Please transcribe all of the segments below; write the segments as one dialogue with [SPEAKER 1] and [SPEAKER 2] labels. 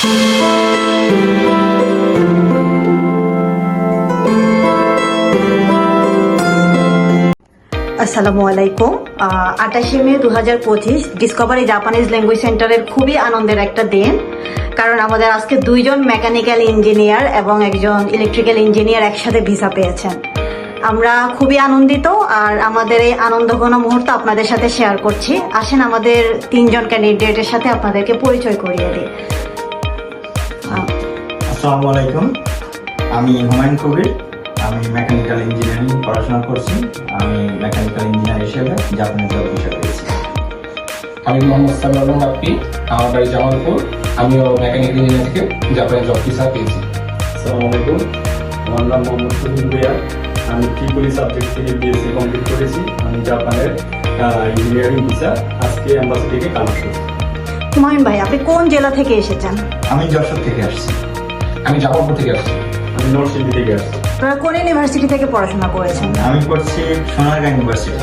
[SPEAKER 1] আসসালামু আলাইকুম। 28 মে 2025 Discovery Japanese language সেন্টারের খুবই আনন্দের একটা দিন, কারণ আমাদের আজকে দুইজন মেকানিক্যাল ইঞ্জিনিয়ার এবং একজন ইলেকট্রিক্যাল ইঞ্জিনিয়ার একসাথে ভিসা পেয়েছেন। আমরা খুবই আনন্দিত, আর আমাদের এই আনন্দঘন মুহূর্ত আপনাদের সাথে শেয়ার করছি। আসেন আমাদের তিনজন ক্যান্ডিডেটের সাথে আপনাদেরকে পরিচয় করিয়ে দিই।
[SPEAKER 2] আসসালামু আলাইকুম, আমি হুমায়ুন কবির। আমি মেকানিক্যাল ইঞ্জিনিয়ারিং পড়াশোনা করছি। আমি মেকানিক্যাল ইঞ্জিনিয়ার হিসেবে জাপানে জব ভিসা পেয়েছি।
[SPEAKER 3] আমি মোহাম্মদ সামিউল বাপ্পি, আমার বাড়ি জামালপুর। আমিও মেকানিক্যাল ইঞ্জিনিয়ার থেকে জাপানে জব ভিসা পেয়েছি।
[SPEAKER 4] আসসালামু আলাইকুম, আমার নাম মোহাম্মদ সুহিল ভুইয়া। আমি ট্রিপলি সাবজেক্ট থেকে বিএসসি কমপ্লিট করেছি। আমি জাপানের ইঞ্জিনিয়ারিং ভিসা আজকে অ্যাম্বাসি থেকে কালেক্ট করেছি।
[SPEAKER 1] হুমায়ুন ভাই, আপনি কোন জেলা থেকে এসেছেন?
[SPEAKER 2] আমি যশোর থেকে আসছি।
[SPEAKER 3] আমি জামালপুর থেকে আসছি।
[SPEAKER 4] আমি নরসিংদী থেকে আসছি।
[SPEAKER 1] আপনারা কোন ইউনিভার্সিটি থেকে পড়াশোনা করেছেন?
[SPEAKER 2] আমি পড়ছি সোনারগাঁ ইউনিভার্সিটি।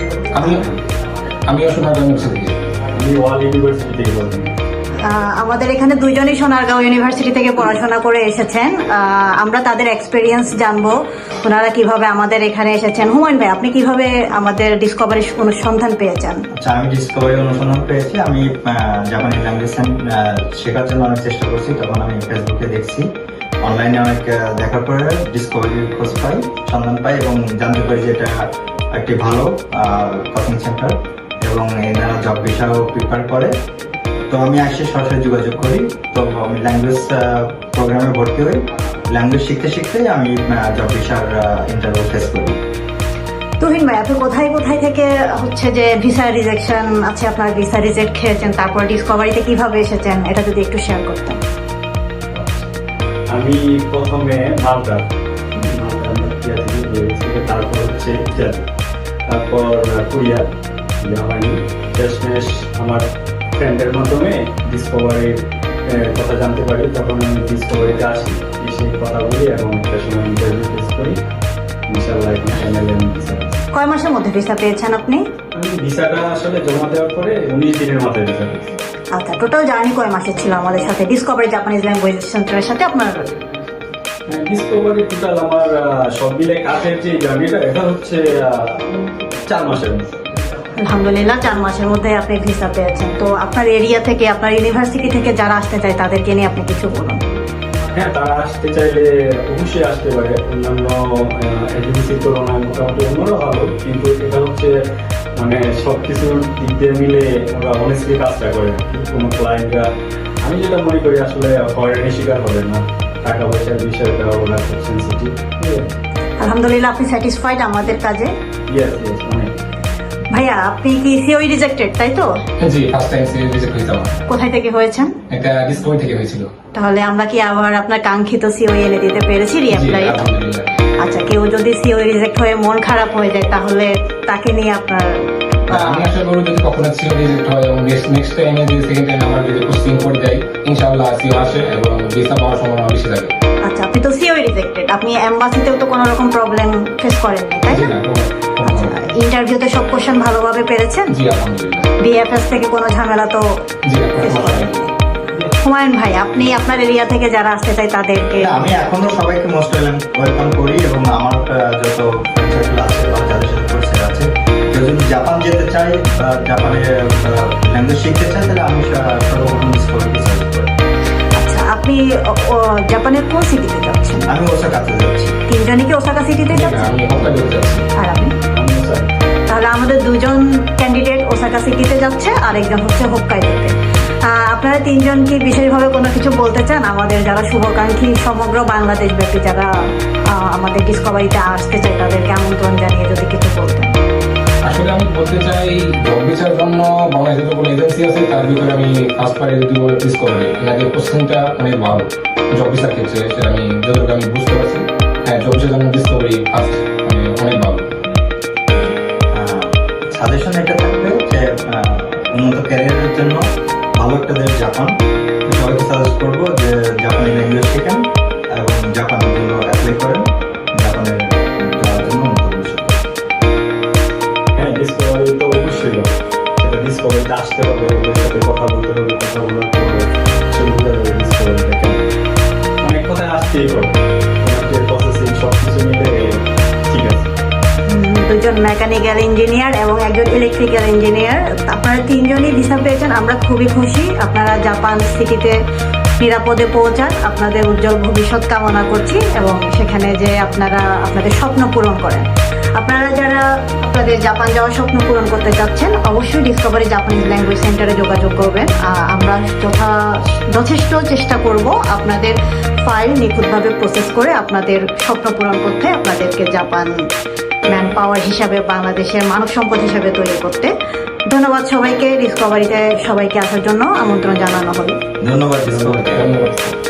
[SPEAKER 3] আমিও সোনারগাঁ ইউনিভার্সিটি থেকে।
[SPEAKER 4] আমি ওয়াল ইউনিভার্সিটি থেকে পড়ছি।
[SPEAKER 1] আমাদের এখানে দুইজনই সোনারগাঁও ইউনিভার্সিটি থেকে পড়াশোনা করে এসেছেন। আমরা তাদের এক্সপেরিয়েন্স জানবো, ওনারা কিভাবে আমাদের এখানে এসেছেন। হুমায়ুন ভাই, আপনি কিভাবে আমাদের ডিসকভারি অনুসন্ধান পেয়েছেন?
[SPEAKER 2] আচ্ছা, আমি ডিসকভারি অনুসন্ধান পেয়েছি। আমি জাপানি ল্যাঙ্গুয়েজ শেখার জন্য অনেক চেষ্টা করছি। তখন আমি ফেসবুকে দেখছি, অনলাইনে অনেক দেখার পরে ডিসকভারির খোঁজ পাই, সন্ধান পাই এবং জানতে পারি যে এটা একটি ভালো কোচিং সেন্টার এবং এনারা জব ভিসাও প্রিপেয়ার করে। তো আমি আসে সরাসরি যোগাযোগ করি। তো আমি ল্যাঙ্গুয়েজ প্রোগ্রামে ভর্তি হই। ল্যাঙ্গুয়েজ শিখতে শিখতেই আমি জব ভিসার ইন্টারভিউ ফেস করি।
[SPEAKER 1] তুহিন ভাই, আপনি কোথায় কোথায় থেকে হচ্ছে যে ভিসা রিজেকশন আছে, আপনার ভিসা রিজেক্ট খেয়েছেন, তারপর ডিসকভারিতে কিভাবে এসেছেন, এটা যদি একটু শেয়ার করতেন।
[SPEAKER 4] আমি প্রথমে মালটা থেকে বেরিয়েছি, তারপর হচ্ছে ইটালি, তারপর কোরিয়া যাওয়া হয়নি। শেষমেশ আমার ফ্রেন্ডের মাধ্যমে ডিসকভারির কথা জানতে পারি। তখন আমি ডিসকভারিতে আসি, এসে কথা বলি এবং একটা সময় ইন্টারভিউ ফেস করি। ইনশাআল্লাহ এখন ফাইনালি আমি ভিসা পেয়েছি।
[SPEAKER 1] কয় মাসের মধ্যে ভিসা পেয়েছেন আপনি?
[SPEAKER 4] আমি ভিসাটা আসলে জমা দেওয়ার পরে 19 দিনের মাথায় ভিসা পেয়েছি।
[SPEAKER 1] আচ্ছা, টোটাল জার্নি কয় মাসের ছিল আমাদের সাথে ডিসকভারি জাপানিজ ল্যাঙ্গুয়েজ সেন্টারের সাথে আপনার?
[SPEAKER 4] ডিসকভারি টোটাল আমার সব মিলে কাজের যে জার্নিটা, এটা হচ্ছে 4 মাসের মধ্যে।
[SPEAKER 1] আলহামদুলিল্লাহ, 4 মাসের মধ্যে আপনি ভিসা পেয়েছেন। তো আপনার এরিয়া থেকে, আপনার ইউনিভার্সিটি থেকে যারা আসতে চায় তাদেরকে নিয়ে আপনি কিছু বলুন।
[SPEAKER 4] হ্যাঁ, তারা আসতে চাইলে অবশ্যই আসতে পারে। অন্যান্য এজেন্সির তুলনায় মোটামুটি অন্যরা ভালো, কিন্তু এটা হচ্ছে মানে সব কিছুর দিক দিয়ে মিলে ওরা অনেস্টলি কাজটা করে। কোনো ক্লায়েন্টরা, আমি যেটা মনে করি আসলে হয়রানির শিকার হবে না। টাকা পয়সার বিষয়টা ওরা খুব সেন্সিটিভ।
[SPEAKER 1] আলহামদুলিল্লাহ, আপনি স্যাটিসফাইড আমাদের কাজে?
[SPEAKER 4] ইয়েস ইয়েস, অনেক।
[SPEAKER 1] ভাইয়া, আপনি কি সিওই রিজেক্টেড, তাই তো?
[SPEAKER 3] জি, ফার্স্ট টাইম রিজেক্ট হয়েছে আমার।
[SPEAKER 1] কোথায় থেকে হয়েছেন?
[SPEAKER 3] এটা ডিসকভারি থেকে হয়েছিল।
[SPEAKER 1] তাহলে আমরা কি আবার আপনার কাঙ্ক্ষিত সিওই এনে দিতে পেরেছি
[SPEAKER 3] জি,
[SPEAKER 1] রিঅ্যাপ্লাই?
[SPEAKER 3] আলহামদুলিল্লাহ।
[SPEAKER 1] আচ্ছা, কেউ যদি সিওই রিজেক্ট হয়ে মন খারাপ হয়ে যায়, তাহলে তাকে নিয়ে আপনার
[SPEAKER 3] আমি আশা করি যদি কখনো সিও রিজেক্ট হয় এবং নেক্সট টাইমে যদি সেকেন্ড টাইম আমার যদি পোস্টিং করে যাই, ইনশাআল্লাহ সিও আসে এবং ভিসা পাওয়ার সম্ভাবনা বেশি থাকে।
[SPEAKER 1] আচ্ছা, আপনি তো সিওই রিজেক্টেড, আপনি এমবাসিতেও তো কোনো রকম প্রবলেম ফেস করেননি, তাই
[SPEAKER 3] জি
[SPEAKER 1] না?
[SPEAKER 3] না,
[SPEAKER 1] আচ্ছা, ইন্টারভিউতে সব কোশ্চেন ভালোভাবে পেরেছেন?
[SPEAKER 3] জি আলহামদুলিল্লাহ।
[SPEAKER 1] বিএফএস থেকে কোনো ঝামেলা তো
[SPEAKER 3] জি না, কোনো
[SPEAKER 1] ফেস
[SPEAKER 3] সমস্যা নেই।
[SPEAKER 1] করেননি? হুমায়ুন ভাই, আপনি আপনার এরিয়া থেকে যারা আসতে চায় তাদেরকে?
[SPEAKER 2] আমি এখনো সবাইকে মোস্ট ওয়েলকাম করি এবং আমার যত ফ্রেন্ড সার্কেল আছে বা যাদের সাথে পরিচয় আছে, কেউ যদি জাপান যেতে চায় বা জাপানের ল্যাঙ্গুয়েজ শিখতে চায়, তাহলে আমি সর্বপ্রথম ডিসকভারিকে সাজেস্ট করি।
[SPEAKER 1] আচ্ছা, আপনি জাপানের কোন সিটিতে যাচ্ছেন?
[SPEAKER 2] আমি ওসাকাতে যাচ্ছি।
[SPEAKER 1] তিনজনই কি ওসাকা সিটিতে
[SPEAKER 3] জি না,
[SPEAKER 1] যাচ্ছেন?
[SPEAKER 3] আমি হকাইডোতে যাচ্ছি।
[SPEAKER 1] আর আপনি?
[SPEAKER 4] আমিও চাই।
[SPEAKER 1] তাহলে আমাদের দুজন ক্যান্ডিডেট ওসাকা সিটিতে যাচ্ছে, আর একজন হচ্ছে হোক্কাইদোতে। আপনারা তিনজন কি বিশেষভাবে কোনো কিছু বলতে চান আমাদের যারা শুভাকাঙ্ক্ষী, সমগ্র বাংলাদেশ ব্যাপী যারা আমাদের ডিসকভারিতে আসতে চায় তাদেরকে আমন্ত্রণ জানিয়ে যদি কিছু বলতেন?
[SPEAKER 3] আসলে আমি বলতে চাই, জব ভিসার জন্য বাংলাদেশে যতগুলো এজেন্সি আছে তার ভিতরে আমি ফার্স্ট পারে যদি ডিসকভারি, এনাদের পোস্টিংটা অনেক ভালো জব ভিসার ক্ষেত্রে, সেটা আমি যতটুকু আমি বুঝতে পারছি। হ্যাঁ, জব ভিসার জন্য ডিসকভারি ফার্স্ট অনেক ভালো।
[SPEAKER 2] সাজেশন এটা থাকবে যে উন্নত ক্যারিয়ারের জন্য ভালো একটা দেশ জাপান। সবাইকে সাজেস্ট করবো যে জাপানি ল্যাঙ্গুয়েজ শেখেন এবং জাপানের জন্য অ্যাপ্লাই করেন, জাপানের যাওয়ার জন্য উন্নত ভবিষ্যৎ।
[SPEAKER 4] হ্যাঁ, ডিসকভারি তো অবশ্যই সেটা ডিসকভারিতে আসতে হবে, ওদের সাথে কথা বলতে হবে, কথা বলার পরে সেগুলো ডিসকভারি
[SPEAKER 1] একজন মেকানিক্যাল ইঞ্জিনিয়ার এবং একজন ইলেকট্রিক্যাল ইঞ্জিনিয়ার। আপনারা তিনজনই ভিসা পেয়েছেন, আমরা খুবই খুশি। আপনারা জাপান সিটিতে নিরাপদে পৌঁছান, আপনাদের উজ্জ্বল ভবিষ্যৎ কামনা করছি এবং সেখানে যে আপনারা আপনাদের স্বপ্ন পূরণ করেন। আপনারা যারা আপনাদের জাপান যাওয়ার স্বপ্ন পূরণ করতে চাচ্ছেন, অবশ্যই ডিসকভারি জাপানিজ ল্যাঙ্গুয়েজ সেন্টারে যোগাযোগ করবেন। আমরা যথেষ্ট চেষ্টা করব আপনাদের ফাইল নিখুঁতভাবে প্রসেস করে আপনাদের স্বপ্ন পূরণ করতে, আপনাদেরকে জাপান ম্যান পাওয়ার হিসাবে, বাংলাদেশের মানব সম্পদ হিসাবে তৈরি করতে। ধন্যবাদ সবাইকে। ডিসকভারিতে সবাইকে আসার জন্য আমন্ত্রণ জানানো হলো।
[SPEAKER 2] ধন্যবাদ ডিসকভারি।
[SPEAKER 3] ধন্যবাদ।